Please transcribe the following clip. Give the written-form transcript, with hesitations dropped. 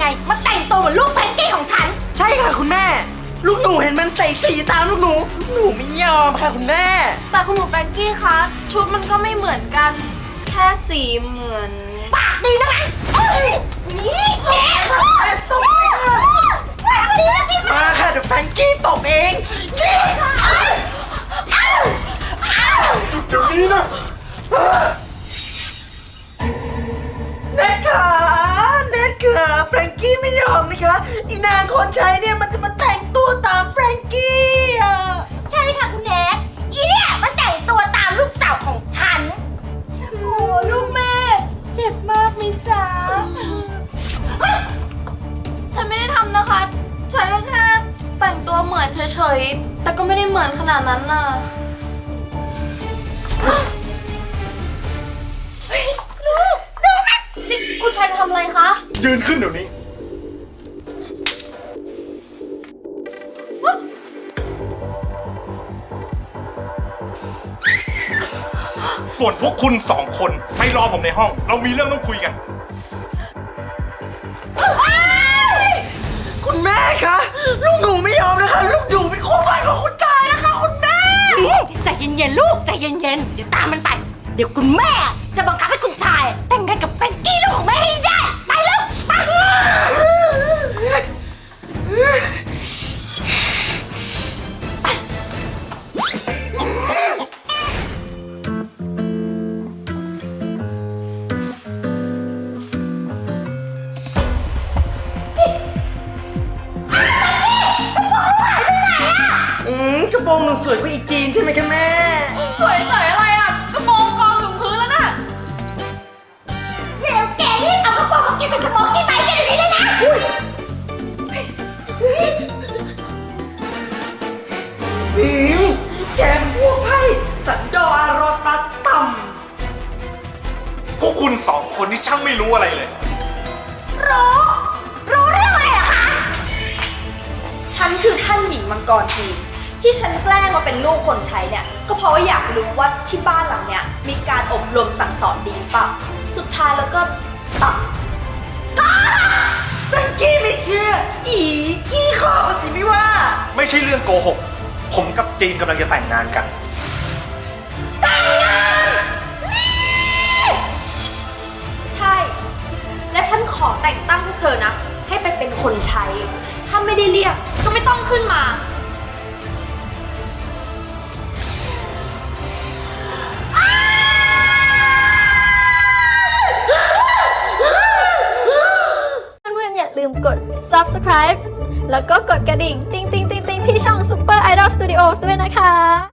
ไงมาแต่งตัวเหมือนลูกแฟนกี้ของฉันใช่ค่ะคุณแม่ลูกหนูเห็นมันใส่สีตามลูกหนูไม่ยอมค่ะคุณแม่แต่คุณหนูแฟนกี้คะชุดมันก็ไม่เหมือนกันแค่สีเหมือนปากดีนะนี่แกตบมาค่ะเดี๋ยวแฟรงกี้ตบเองเดี๋ยวนี้นะเน็ตค่ะแฟรงกี้ไม่ยอมนะคะอีนางคนใช้เนี่ยมันจะมาแต่งตัวตามแฟรงกี้อ่ะใช่ค่ะคุณแน็กอีเนี่ยมันแต่งตัวตามลูกสาวของฉันโอ้ลูกแม่เจ็บมากมิจ๊ะฉันไม่ได้ทำนะคะฉันก็แค่แต่งตัวเหมือนเฉยๆแต่ก็ไม่ได้เหมือนขนาดนั้นน่ะลูกดูมันนี่คุณชายจะทำอะไรคะยืนขึ้นเดี๋ยวนี้ส่วนพวกคุณ2 คนไปรอผมในห้องเรามีเรื่องต้องคุยกันคุณแม่คะลูกหนูไม่ยอมนะคะลูกหนูเป็นคู่บ้านของคุณชายนะคะคุณแม่ใจเย็นๆลูกใจเย็นๆเดี๋ยวตามมันไปเดี๋ยวคุณแม่จะบังคับให้คุณชายแต่งงานกับแฟนกี้ลูกของแม่ให้ได้ไปลูกไปกระโปรงหนูสวยกว่าอีจีนใช่ไหมคะแม่สวยอะไรอ่ะกระโปรงกองถึงพื้นแล้วน่ะเดี๋ยวแกรีบเอากระโปรงของแกเป็นกระโปรงที่ไปเดี๋ยวนี้เลยนะพิมแกมพวกไพ่สันดอารอตัดต่พวกคุณ2 คนที่ช่างไม่รู้อะไรเลยรู้เรื่องอะไรอะคะฉันคือท่านหญิงมังกรจีนที่ฉันแกล้งมาเป็นลูกคนใช้เนี่ยก็เพราะว่าอยากรู้ว่าที่บ้านหลังเนี้ยมีการอบรมสั่งสอนดีป่ะสุดท้ายแล้วก็ตัดแฟรงกี้ไม่เชื่อขี้ขอสิไม่ว่าไม่ใช่เรื่องโกหกผมกับจีนกำลังจะแต่งงานกันแต่งงานใช่และฉันขอแต่งตั้งพวกเธอนะให้ไปเป็นคนใช้ถ้าไม่ได้เรียกก็ไม่ต้องขึ้นมาอย่าลืมกด subscribe แล้วก็กดกระดิ่ง ติ๊งๆๆๆที่ช่อง Super Idol Studios ด้วยนะคะ